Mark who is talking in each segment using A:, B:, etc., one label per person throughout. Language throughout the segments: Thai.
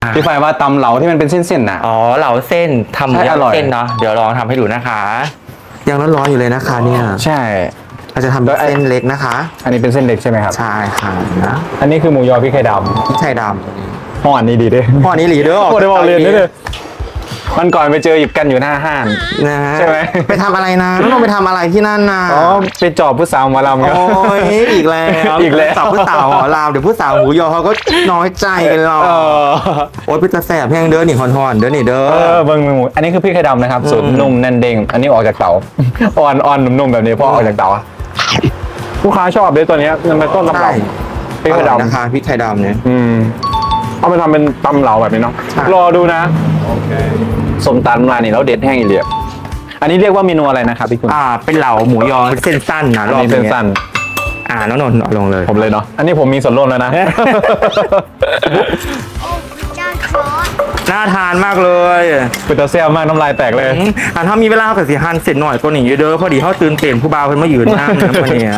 A: พี่ฝ่ายว่าตำเหลาที่มันเป็นเส้นๆน่ะ
B: อ๋อเหลาเส้นทำ
A: ใช่อร่อย
B: เส้นเนาะเดี๋ยวลองทำให้ดูนะคะ
C: ยังร้อนๆอยู่เลยนะคะเนี่ย
A: ใช่
C: เราจะทำเป็นเส้นเล็กนะคะ
A: อันนี้เป็นเส้นเล็กใช่ไหมครับ
C: ใช่ค่ะนะ
A: อันนี้คือหมูยอพริกไทยด
C: พริกไทยด
A: ำห่ออันนี้ดีเด้
C: ำพ่อนี้หลีเด้อ
A: โอ้ได้บอกเรียนด้วยมันก่อนไปเจอหยิบกันอยู่หน้าห้าง
C: นะฮะ
A: ใช่ไหม
C: ไปทำอะไรนะน้องไปทำอะไรที่นั่นนะ
A: อ๋อไปจอบผู้สาวหมาลำครับ
C: โอ้ยอีกแล้ว
A: อีกแล้ว
C: จับผู้สาวหอลาวเดี๋ยวผู้สาวหูยอเขาก็น้อยใจกันหรอก
A: เออ
C: โอ๊ยเป็นตาแสบแห้งเด้อนี่ฮอนๆเด้อนี่เด้อ
A: เบิ่งหมูอันนี้คือพริกไทยดำนะครับสูตรนุ่มแน่นเด้งอันนี้ออกจากเตาอ่อนๆนุ่มๆแบบนี้เพราะออกจากเตาอะลูกค้าชอบเลยตัวเนี้ยมันเป็นต้นตำ
C: ใช่
A: รับพริกไทย
C: อร่อย
A: ดำ
C: นะคะพริกไทยดำเนี่ย
A: เอาไปทำเป็นตำเหลาแบบนี้เนาะ
C: ใช่
A: รอดูนะสมตำร้านนี้แล้วเด็ดแห้งอีเหลียบอันนี้เรียกว่าเมนูอะไรนะครับพี่คุณ
C: เป็นเหลาหมูยอเส้นสั้นนะ
A: อัน
C: รอบ
A: นี้
C: นี้
A: เส้นสั้น
C: น้องนนท์เอาลงเลย
A: ผมเลยเนาะอันนี้ผมมีส่วนร่วมแล้วนะ
D: จ้าครอส
C: น่าทานมากเลย
A: เป็นตาเซียมากน้ำลายแตกเลย
C: ถ้ามีเวลากับสิฮันเสร็จหน่อยก็หนีเด้อพอดีเขาตื่นเต้นผู้บ่าวเพิ่นมายืนนั่งนะวันนี้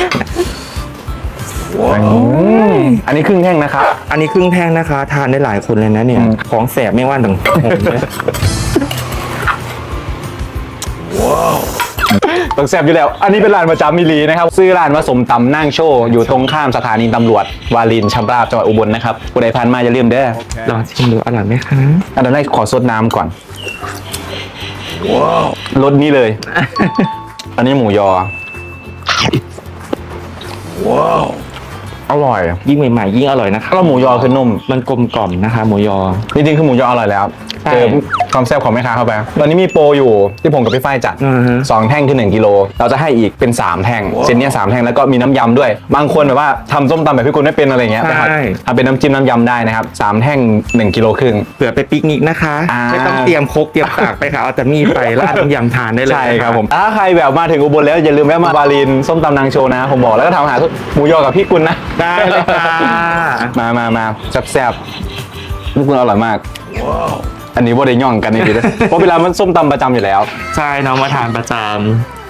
A: อันนี้ครึ่งแท่งนะครับ
C: อันนี้ครึ่งแท่งนะคะ ทานได้หลายคนเลยนะเนี่ย ของแสบไม่ว่าต่างผมเลย
A: ต้องแซ่บอยู่แล้ว อันนี้เป็นร้านประจำมิลีนะครับซื้อร้านว่าสมตำนั่งโชว์อยู่ตรงข้ามสถานีตำรวจวารินชำราบจังหวัดอุบลนะครับผู้ใดผ่านมาอย่าลืมเด้อ
C: ลองชิมดูอร่อยไหมคะ
A: อันดับแรกขอซดน้ำก่อนรสนี้เลย อันนี้หมูยออร่อย
C: ยิ่งใหม่ๆยิ่งอร่อยนะคะ
A: แล้วหมูยอคือนุ่ม
C: มันกลมกล่อมนะคะ หมูยอ
A: จริงๆคือหมูยออร่อยแล้ว
C: ใช่
A: เจอความแซ่บของแม่ค้าเข้าไปตอนนี้มีโปรอยู่ที่ผมกับพี่ฝ้ายจัด
C: อือฮะ
A: 2 แท่งคือ1 กิโลเราจะให้อีกเป็น3 แท่งเส้นเนี้ย3 แท่งแล้วก็มีน้ำยำด้วย บางคนแบบว่าทำส้มตำแบบพี่กุลไม่เป็นอะไรเงี้ย
C: ใช่
A: ทำเป็นน้ำจิ้มน้ำยำได้นะครับ3 แท่ง1 กิโลครึ่ง
C: เผื่อไปปิกนิกนะคะ
A: อ่า
C: ไม่ต้องเตรียมครกเตรียมตากไปค่ะเอาแต่มีดไปราดน้ำยำทานได้เลย
A: ใช่
C: นะะ
A: ครับผมถ้าใครแบบมาถึงอุบลแล้วอย่าลืมแวะมาบาลินส้มตำนางโชว์นะผมบอกแล้วก็ทำอาหารหมูยอกับพี่กุลนะ
C: ได้เลยค่ะ
A: มาแซ่บๆพี่กุลอร่อยมากอันนี้ว่าได้ย่องกันในทีเดียวเพราะเวลามันส้มตำประจำอยู่แล้ว
C: ใช่น้องมาทานประจำ